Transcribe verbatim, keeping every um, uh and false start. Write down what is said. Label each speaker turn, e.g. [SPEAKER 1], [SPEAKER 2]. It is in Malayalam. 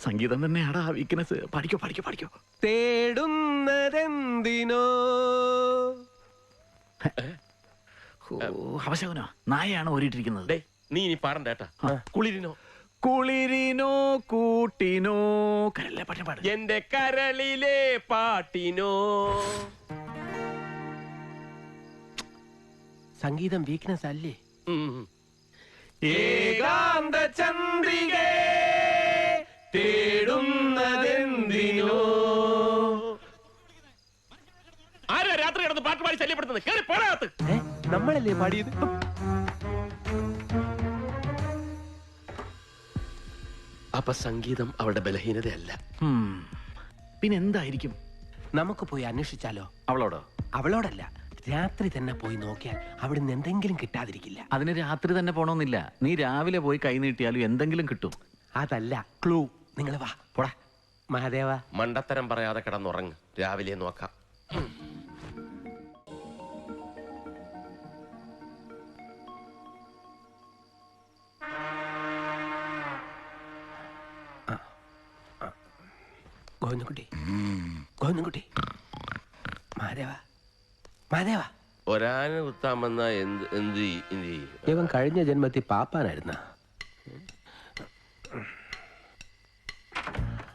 [SPEAKER 1] സംഗീതം തന്നെയാടാ വീക്ക്നെസ്. പഠിക്കോ പഠിക്കോ പഠിക്കോ.
[SPEAKER 2] തേടുന്നതെന്തിനോ
[SPEAKER 1] അവശകനോ നായയാണ് ഓരിട്ടിരിക്കുന്നത്.
[SPEAKER 3] നീ ഇനി പാടണ്ടേട്ടാ. കുളിരിനോ
[SPEAKER 1] കുളിരിനോ കൂട്ടിനോ കരളിലെ പാട്ടിന് പാട്.
[SPEAKER 3] എന്റെ കരളിലെ പാട്ടിനോ.
[SPEAKER 2] സംഗീതം വീക്ക്നെസ് അല്ലേ?
[SPEAKER 3] ഏകാന്ത ചന്ദ്രികേ തേടുന്നതെന്തിനോ. ആരാ രാത്രി കിടന്ന് പാട്ട് പാടി ശല്യപ്പെടുത്തുന്നത്? കേറി പോടാത്ത്.
[SPEAKER 2] നമ്മളല്ലേ പാടിയത്?
[SPEAKER 3] അപ്പൊ സംഗീതം അവളുടെ ബലഹീനതയല്ല.
[SPEAKER 1] പിന്നെ എന്തായിരിക്കും?
[SPEAKER 2] നമുക്ക് പോയി അന്വേഷിച്ചാലോ?
[SPEAKER 1] അവളോടോ?
[SPEAKER 2] അവളോടല്ല, രാത്രി തന്നെ പോയി നോക്കിയാൽ അവിടുന്ന് എന്തെങ്കിലും കിട്ടാതിരിക്കില്ല.
[SPEAKER 1] അതിന് രാത്രി തന്നെ പോണമെന്നില്ല. നീ രാവിലെ പോയി കൈ നീട്ടിയാലും എന്തെങ്കിലും കിട്ടും.
[SPEAKER 2] അതല്ല ക്ലൂ. നിങ്ങൾ വാ പോടാ. മഹാദേവ,
[SPEAKER 3] മണ്ടത്തരം പറയാതെ കിടന്നുറങ്ങ്. രാവിലെ നോക്കാം.
[SPEAKER 2] ഗോവിന്ദൻകുട്ടി, ഗോവിന്ദൻകുട്ടി, മഹാദേവ, മഹാദേവ.
[SPEAKER 3] ഒരാന കുത്താമെന്ന എന്ത് എന്ത് ചെയ്യും?
[SPEAKER 2] ഇവൻ കഴിഞ്ഞ ജന്മത്തിൽ പാപ്പാനായിരുന്ന.